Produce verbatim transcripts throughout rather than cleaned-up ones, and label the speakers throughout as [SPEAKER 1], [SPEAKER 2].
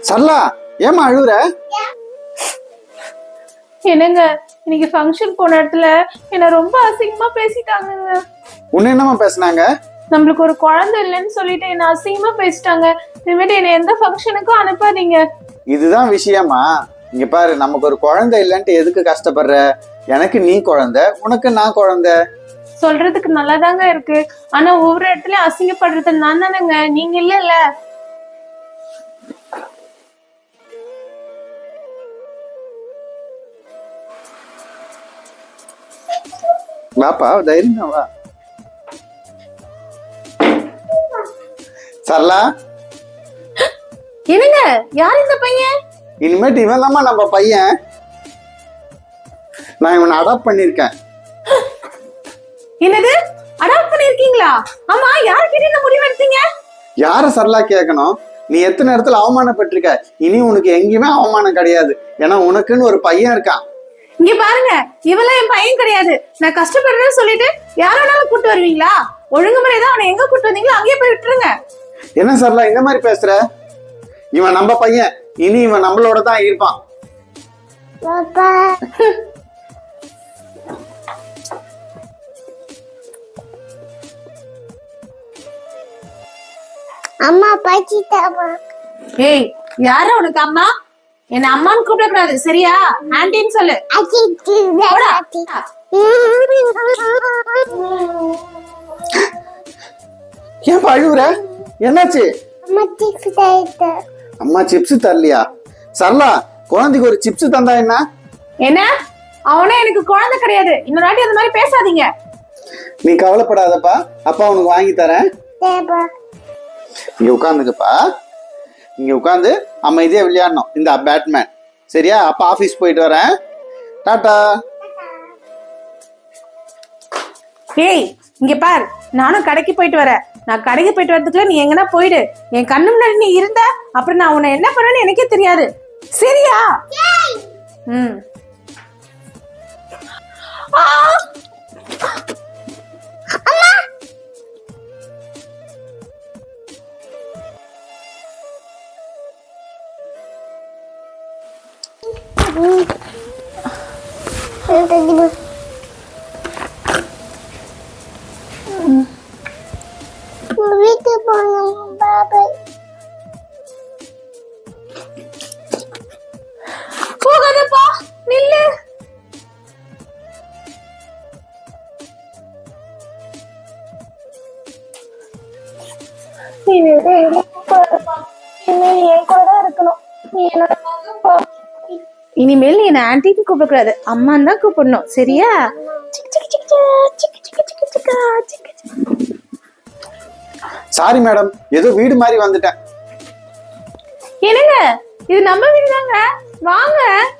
[SPEAKER 1] சரளா ஏமா அழுகுற?
[SPEAKER 2] என்னங்க இன்னைக்கு ஃபங்க்ஷன் போன இடத்துல என்ன ரொம்ப அசிங்கமா பேசிட்டாங்கங்க.
[SPEAKER 1] உன்ன என்னமா பேசுனாங்க?
[SPEAKER 2] நம்மளுக்கு ஒரு குழந்தை இல்லைன்னு சொல்லிட்டு என்ன அசிங்கமா பேசிட்டாங்க. இனிமேட்டு என்ன எந்த ஃபங்க்ஷனுக்கும் அனுப்பாதீங்க.
[SPEAKER 1] இதுதான் விஷயமா? இங்க பாரு, நமக்கு ஒரு குழந்தை இல்லைன்ட்டு எதுக்கு கஷ்டப்படுற? எனக்கு நீ குழந்தை, உனக்கு நான் குழந்தை.
[SPEAKER 2] சொல்றதுக்கு நல்லாதாங்க இருக்கு, ஆனா ஒவ்வொரு இடத்துலயும் அசிங்கப்படுறது நான் தானேங்க, நீங்க இல்ல.
[SPEAKER 1] வாப்பா, தைரியம் வா. சரளா,
[SPEAKER 2] என்னங்க யார் இந்த பையன்?
[SPEAKER 1] இனிமேட்டு இவன் தாம்மா நம்ம பையன். நான் இவனை அடாப்ட் பண்ணிருக்கேன்.
[SPEAKER 2] என்னது அடாப்ட் பண்ணிருக்கீங்களா? ஆமா, யார்கிட்ட இந்த முடிவு எடுத்தீங்க?
[SPEAKER 1] யார சரளா கேட்கணும்? நீ எத்தனை இடத்துல அவமானப்பட்டிருக்க. இனி உனக்கு எங்கேயுமே அவமானம் கிடையாது. ஏன்னா உனக்குன்னு ஒரு பையன் இருக்கான்.
[SPEAKER 2] இங்க பாருங்க, இவெல்லாம் என் பையன் கிடையாது. நான் கஷ்டப்படுறேன்னு சொல்லிட்டு யாராலும் கூட்டு வருவீங்களா? ஒழுங்குமுறைதான் அவனை எங்க கூட்டு வந்தீங்களோ அங்கேயே போய் விட்டுருங்க.
[SPEAKER 1] என்ன சரளா இந்த மாதிரி பேசுற? இவன் நம்ம பையன், இனி இவன் நம்மளோட தான் இருப்பான்.
[SPEAKER 3] அம்மா பாச்சிட்டாமா.
[SPEAKER 2] ஏய், யார உனக்கு அம்மா? என்ன அம்மான்னு கூப்பிட கூடாது, சரியா? ஆன்டின்னு சொல்லு.
[SPEAKER 1] ஏன் அழுகுற? என்னாச்சு?
[SPEAKER 3] அம்மா சிப்ஸ் தரல.
[SPEAKER 1] அம்மா சிப்ஸ் தரலையா? சரளா, குழந்தைக்கு ஒரு சிப்ஸ் தந்தா என்ன?
[SPEAKER 2] என்ன? அவனே எனக்கு குழந்தை கிடையாது. இன்னொரு வாட்டி அந்த மாதிரி பேசாதீங்க.
[SPEAKER 1] நீ கவலைப்படாதப்பா, அப்பா உனக்கு வாங்கி தரேன். இங்க உட்காந்துக்கப்பா. இங்க உட்காந்து அமைதியா விளையாடணும். இந்த பேட்மேன், சரியா? அப்பா ஆபீஸ் போயிட்டு வரேன். டாடா.
[SPEAKER 2] ஏய், இங்க பார், நானும் கடைக்கு போயிட்டு வரேன். நான் கடைக்கு போயிட்டு வரதுக்குள்ள நீ எங்கன்னா போயிடு. என் கண்ணு முன்னாடி நீ இருந்த அப்புறம் நான் உன்னை என்ன பண்ணுவேன்னு எனக்கே தெரியாது, சரியா? ம்.
[SPEAKER 3] வீட்டு போகணும் பாபா.
[SPEAKER 2] போகாதப்பா, நில்லு. இனிமேல் நீ என்ன ஆன்டின்னு கூப்பிடக்கூடாது, அம்மான்னு தான் கூப்பிடணும், சரியா?
[SPEAKER 1] சாரி மேடம், ஏதோ வீடு மாதிரி வந்துட்டேன்.
[SPEAKER 2] என்னங்க, இது நம்ம வீடு தாங்க, வாங்க.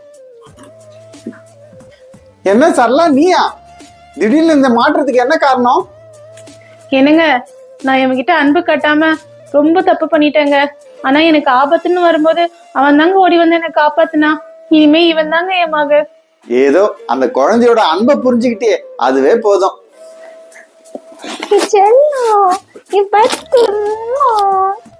[SPEAKER 1] என்ன சரளா, நீயா? திடீர்னு இந்த மாற்றத்துக்கு என்ன காரணம்?
[SPEAKER 2] என்னங்க, நான் இவன்கிட்ட அன்பு கட்டாம ரொம்ப தப்பு பண்ணிட்டேங்க. ஆனா எனக்கு ஆபத்துன்னு வரும்போது அவன் தாங்க ஓடி வந்து என்ன காப்பாத்துனா. இனிமே இவன் தாங்க என் மக.
[SPEAKER 1] ஏதோ அந்த குழந்தையோட அன்பை புரிஞ்சுக்கிட்டே, அதுவே போதும்.
[SPEAKER 3] செல்லம்,